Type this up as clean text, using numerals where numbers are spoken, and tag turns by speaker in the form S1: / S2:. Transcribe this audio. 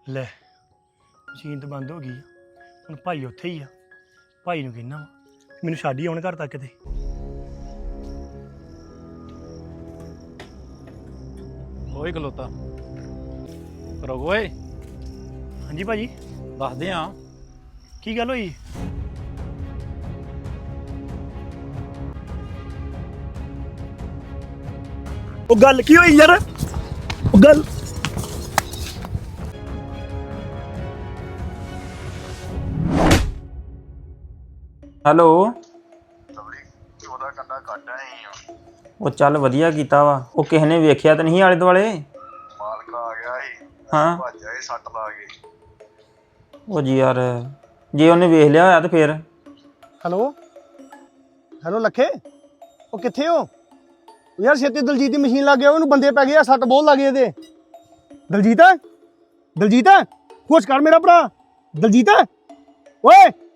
S1: ਲੈ ਮਸ਼ੀਨ ਤਾਂ ਬੰਦ ਹੋ ਗਈ ਆ। ਹੁਣ ਭਾਈ ਉੱਥੇ ਹੀ ਆ। ਭਾਈ ਨੂੰ ਕਹਿਣਾ ਮੈਨੂੰ ਛੱਡ ਹੀ ਆਉਣ ਘਰ ਤੱਕ ਤੇ।
S2: ਓਏ ਖਲੋਤਾ ਰੁਕ ਓਏ।
S1: ਹਾਂਜੀ ਭਾਜੀ
S2: ਦੱਸਦੇ ਆ
S1: ਕੀ ਗੱਲ ਹੋਈ? ਉਹ ਗੱਲ ਕੀ ਹੋਈ ਯਾਰ? ਉਹ ਗੱਲ
S3: ਹੈਲੋ।
S4: ਉਹਦਾ ਕੰਡਾ ਕੱਟ ਆਏ ਆ।
S3: ਉਹ ਚੱਲ ਵਧੀਆ ਕੀਤਾ ਵਾ। ਉਹ ਕਿਸੇ ਨੇ ਵੇਖਿਆ ਤਾਂ ਨਹੀਂ ਆਲੇ ਦੁਆਲੇ?
S4: ਮਾਲਕ ਆ ਗਿਆ ਸੀ।
S3: ਹਾਂ
S4: ਭੱਜ ਆਏ ਸੱਟ ਲਾ ਕੇ।
S3: ਉਹ ਜੀ ਯਾਰ ਜੇ ਉਹਨੇ ਵੇਖ ਲਿਆ ਹੋਇਆ ਤੇ ਫੇਰ?
S5: ਹੈਲੋ ਹੈਲੋ ਲੱਖੇ, ਉਹ ਕਿੱਥੇ ਹੋ ਯਾਰ? ਛੇਤੀ ਦਲਜੀਤ ਦੀ ਮਸ਼ੀਨ ਲੱਗ ਗਿਆ, ਉਹਨੂੰ ਬੰਦੇ ਪੈ ਗਏ ਆ, ਸੱਟ ਬਹੁਤ ਲੱਗ ਗਏ ਇਹਦੇ। ਦਲਜੀਤ ਦਲਜੀਤ ਹੋਸ਼ ਕਰ ਮੇਰਾ ਭਰਾ। ਦਲਜੀਤ ਓਏ